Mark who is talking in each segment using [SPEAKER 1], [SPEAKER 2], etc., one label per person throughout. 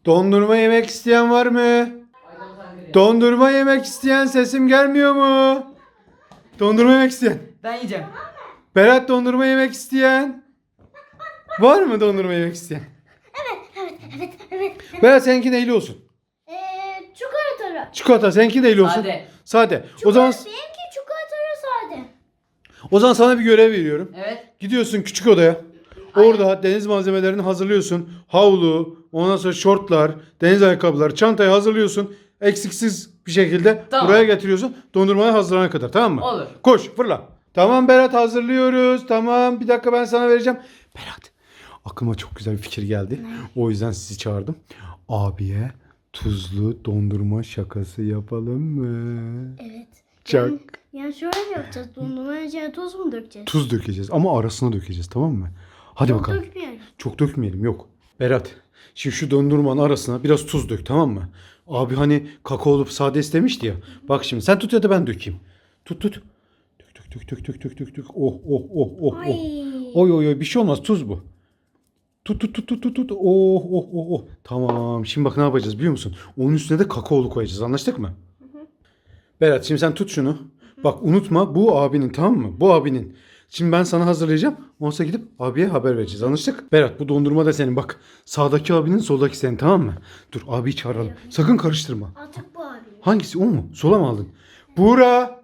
[SPEAKER 1] Dondurma yemek isteyen var mı? Dondurma yemek isteyen, sesim gelmiyor mu? Dondurma yemek isteyen.
[SPEAKER 2] Ben yiyeceğim.
[SPEAKER 1] Berat, dondurma yemek isteyen. Var mı dondurma yemek isteyen?
[SPEAKER 3] Evet.
[SPEAKER 1] Berat, seninki neyli olsun?
[SPEAKER 3] Çikolatalı.
[SPEAKER 1] Çikolata, seninki neyli olsun?
[SPEAKER 2] Sade.
[SPEAKER 1] Sade. O zaman
[SPEAKER 3] Benimki çikolatalı sade.
[SPEAKER 1] sana bir görev veriyorum.
[SPEAKER 2] Evet.
[SPEAKER 1] Gidiyorsun küçük odaya. Orada deniz malzemelerini hazırlıyorsun. Havlu, ondan sonra şortlar, deniz ayakkabıları, çantayı hazırlıyorsun. Eksiksiz bir şekilde
[SPEAKER 2] Tamam.
[SPEAKER 1] buraya getiriyorsun. Dondurmaya hazırlanana kadar, tamam mı?
[SPEAKER 2] Olur.
[SPEAKER 1] Koş, fırla. Tamam Berat, hazırlıyoruz. Tamam, bir dakika ben sana vereceğim. Berat, aklıma çok güzel bir fikir geldi. O yüzden sizi çağırdım. Abiye tuzlu dondurma şakası yapalım mı?
[SPEAKER 3] Evet.
[SPEAKER 1] Çak.
[SPEAKER 3] Yani şöyle mi yapacağız? Dondurmanın içine tuz mu dökeceğiz?
[SPEAKER 1] Tuz dökeceğiz ama arasına dökeceğiz, tamam mı? Hadi
[SPEAKER 3] Çok
[SPEAKER 1] bakalım.
[SPEAKER 3] dökmeyelim.
[SPEAKER 1] Çok dökmeyelim, yok. Berat, şimdi şu dondurmanın arasına biraz tuz dök, tamam mı? Abi hani kakaolu sade istemişti ya. Bak şimdi sen tut ya da ben dökeyim. Tut. Dök. Oh.
[SPEAKER 3] Ay.
[SPEAKER 1] Oy bir şey olmaz, tuz bu. Tut. Oh. Tamam, şimdi bak ne yapacağız biliyor musun? Onun üstüne de kakaolu koyacağız, anlaştık mı? Berat, şimdi sen tut şunu. Bak unutma, bu abinin, tamam mı? Bu abinin. Şimdi ben sana hazırlayacağım. Ondan sonra gidip abiye haber vereceğiz. Anlaştık? Berat, bu dondurma da senin. Bak sağdaki abinin, soldaki senin, tamam mı? Dur, abiyi çağıralım. Sakın karıştırma.
[SPEAKER 3] Artık bu abi.
[SPEAKER 1] Hangisi, o mu? Sola mı aldın? Buğra.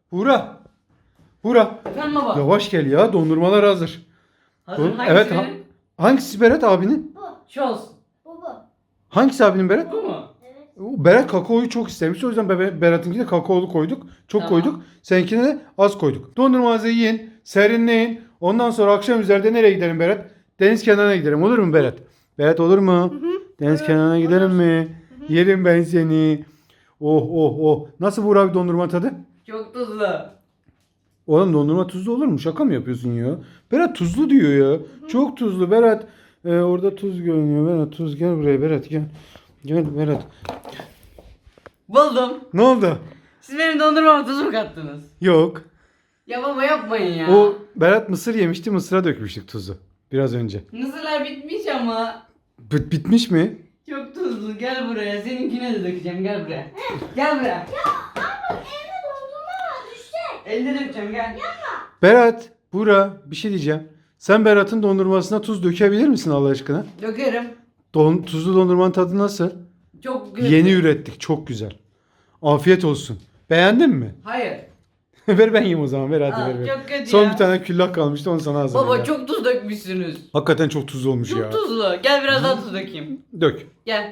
[SPEAKER 2] Efendim baba.
[SPEAKER 1] Yavaş gel ya, dondurmalar hazır.
[SPEAKER 2] Hazır.
[SPEAKER 1] Dur,
[SPEAKER 2] Hangisi
[SPEAKER 1] evet.
[SPEAKER 2] benim?
[SPEAKER 1] Hangisi Berat abinin?
[SPEAKER 3] Bu.
[SPEAKER 2] Şu olsun.
[SPEAKER 3] Bu.
[SPEAKER 1] Hangisi abinin Berat?
[SPEAKER 2] Bu mu?
[SPEAKER 1] Berat kakaoyu çok istemiş. O yüzden Berat'ınkine kakaolu koyduk. Çok
[SPEAKER 2] Tamam.
[SPEAKER 1] koyduk. Seninkine de az koyduk. Dondurmanızı yiyin. Serinleyin. Ondan sonra akşam üzerinde nereye gidelim Berat? Deniz kenarına gidelim. Olur mu Berat? Berat, olur mu? Deniz kenarına gidelim mi? Yerim ben seni. Oh. Nasıl Buğra abi dondurma tadı?
[SPEAKER 2] Çok tuzlu.
[SPEAKER 1] Oğlum, dondurma tuzlu olur mu? Şaka mı yapıyorsun ya? Berat tuzlu diyor ya. Çok tuzlu Berat. Orada tuz görünüyor. Berat tuz, gel buraya Berat, gel. Gel Berat.
[SPEAKER 2] Buldum.
[SPEAKER 1] Ne oldu?
[SPEAKER 2] Siz benim dondurmama tuz mu kattınız?
[SPEAKER 1] Yok.
[SPEAKER 2] Ya baba yapmayın ya.
[SPEAKER 1] O Berat mısır yemişti. Mısıra dökmüştük tuzu. Biraz önce.
[SPEAKER 2] Mısırlar bitmiş ama.
[SPEAKER 1] Bitmiş mi?
[SPEAKER 2] Çok tuzlu. Gel buraya. Seninkine de dökeceğim. Gel buraya. Gel buraya.
[SPEAKER 3] Evde dondurma var düşecek.
[SPEAKER 2] Elde dökeceğim gel.
[SPEAKER 1] Berat, Buğra, bir şey diyeceğim. Sen Berat'ın dondurmasına tuz dökebilir misin Allah aşkına?
[SPEAKER 2] Dökerim.
[SPEAKER 1] Tuzlu dondurmanın tadı nasıl?
[SPEAKER 2] Çok güzel.
[SPEAKER 1] Yeni ürettik. Çok güzel. Afiyet olsun. Beğendin mi?
[SPEAKER 2] Hayır.
[SPEAKER 1] Ver ben yiyeyim o zaman. Ver hadi
[SPEAKER 2] Aa,
[SPEAKER 1] ver.
[SPEAKER 2] çok kötü
[SPEAKER 1] Son
[SPEAKER 2] ya.
[SPEAKER 1] bir tane küllah kalmıştı, onu sana hazırlayayım.
[SPEAKER 2] Baba
[SPEAKER 1] ya.
[SPEAKER 2] çok tuz dökmüşsünüz.
[SPEAKER 1] Hakikaten çok tuzlu olmuş
[SPEAKER 2] Çok
[SPEAKER 1] ya.
[SPEAKER 2] tuzlu. Gel biraz daha tuz dökeyim.
[SPEAKER 1] Dök.
[SPEAKER 2] Gel.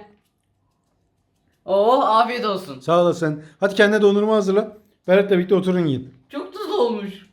[SPEAKER 2] Oo afiyet olsun.
[SPEAKER 1] Sağ olasın. Hadi kendine dondurma hazırla. Berat'la birlikte oturun yiyin.
[SPEAKER 2] Çok tuzlu olmuş.